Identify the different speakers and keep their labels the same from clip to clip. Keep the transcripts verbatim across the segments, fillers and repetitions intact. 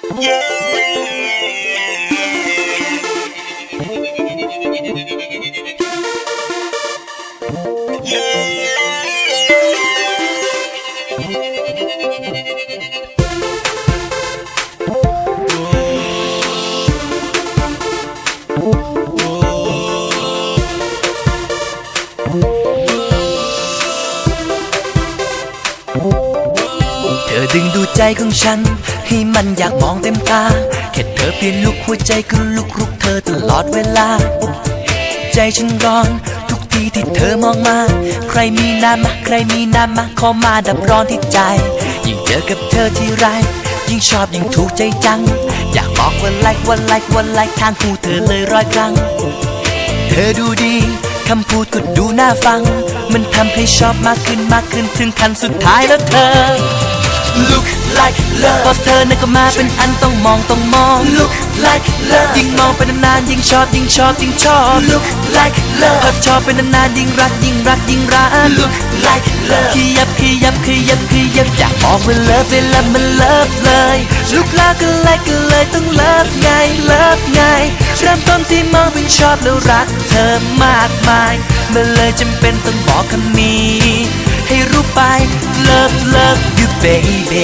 Speaker 1: เธอดึงดูใจของฉันให้มันอยากมองเต็มตาแค่เธอเปลี่ยนลุกหัวใจก็ลุกรุกเธอตลอดเวลาใจฉันร้อนทุกทีที่เธอมองมาใครมีน้ำมาใครมีน้ำมาขอมาดับร้อนที่ใจยิ่งเจอกับเธอที่ไรยิ่งชอบยิ่งถูกใจจังอยากบอกว่าไลค์ว่าไลค์ว่าไลค์ทางหูเธอเลยร้อยครั้งเธอดูดีคำพูดก็ดูน่าฟังมันทำให้ชอบมากขึ้นมากขึ้นถึงขั้นสุดท้ายแล้วเธอ Look like love พอเธอนั้นก็มาเป็นอันต้องมองต้องมอง Look like love ยิ่งมองไปนานๆยิ่งชอบยิ่งชอบยิ่งชอบ Look like love พอชอบไปนานๆยิ่งรักยิ่งรักยิ่งรัก Look like love ขยับขยับขยับขยับอยากบอกว่า love เวลามัน love เลย Look like ก็เลยก็เลยต้อง love ไง love ไงเริ่มต้นที่มองเป็นชอบแล้วรักเธอมากมายมันเลยจำเป็นต้องบอกคำนี้ให้รู้ไป love love you baby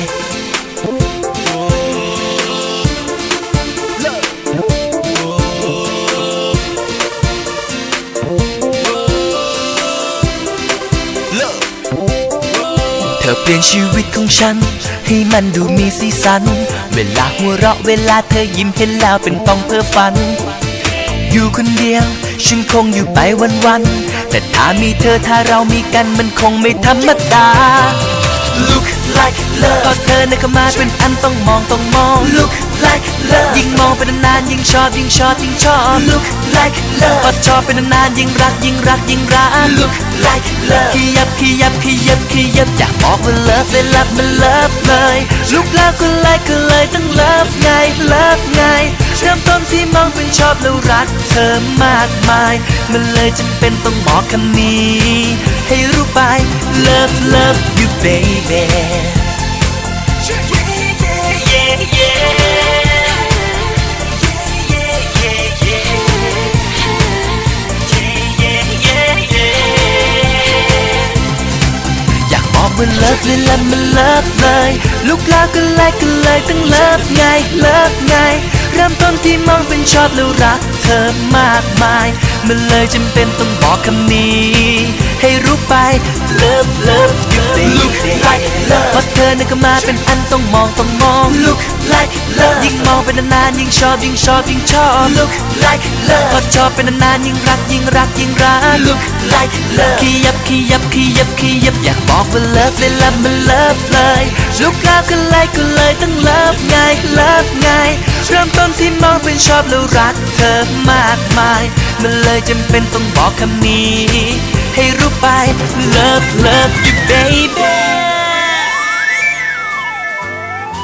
Speaker 1: เธอเปลี่ยนชีวิตของฉันให้มันดูมีสีสันเวลาหัวเราะเวลาเธอยิ้มเห็นแล้วเป็นต้องเพ้อฝันอยู่คนเดียวฉันคงอยู่ไปวันๆแต่ถ้ามีเธอถ้าเรามีกันมันคงไม่ธรรมดา Look like love พอเธอนั้นเข้ามาเป็นอันต้องมองต้องมอง Look like love ยิ่งมองไปนานๆยิ่งชอบยิ่งชอบยิ่งชอบ Look like love พอชอบไปนานๆยิ่งรักยิ่งรักยิ่งรัก Look like love ขยับขยับขยับขยับอยากบอกว่า love เลย love มัน love เลย Look like ก็เลยก็เลยต้อง love ไง love ไงเริ่มต้นที่มองเป็นชอบแล้วรักเธอมากมายมันเลยจำเป็นต้องบอกคำนี้ให้รู้ไป love love you babyอยากบอกว่า love เลยละมัน love เลยลุกแล้วก็เลยก็เลยต้อง love ไง love ไงเริ่มต้นที่มองเป็นชอบแล้วรักเธอมากมายมันเลยจำเป็นต้องบอกคำนี้ให้รู้ไป love love you baby Look like love พอเธอนั้นก็มาเป็นอันต้องมองต้องมอง Look like love ยิ่งมองไปนานๆยิ่งชอบยิ่งชอบยิ่งชอบ Look like love พอชอบไปนานๆยิ่งรักยิ่งรักยิ่งรัก Look like love ขยับขยับขยับขยับอยากบอกว่า love เลยละมัน love เลย Look like ก็เลยก็เลยต้อง love ไง love ไงเริ่มต้นที่มองเป็นชอบแล้วรักเธอมากมายมันเลยจำเป็นต้องบอกคำนี้ให้รู้ไป love love you baby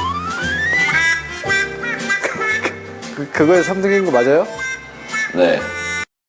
Speaker 2: 그거에 삼 등인 거 맞아요?
Speaker 3: 네.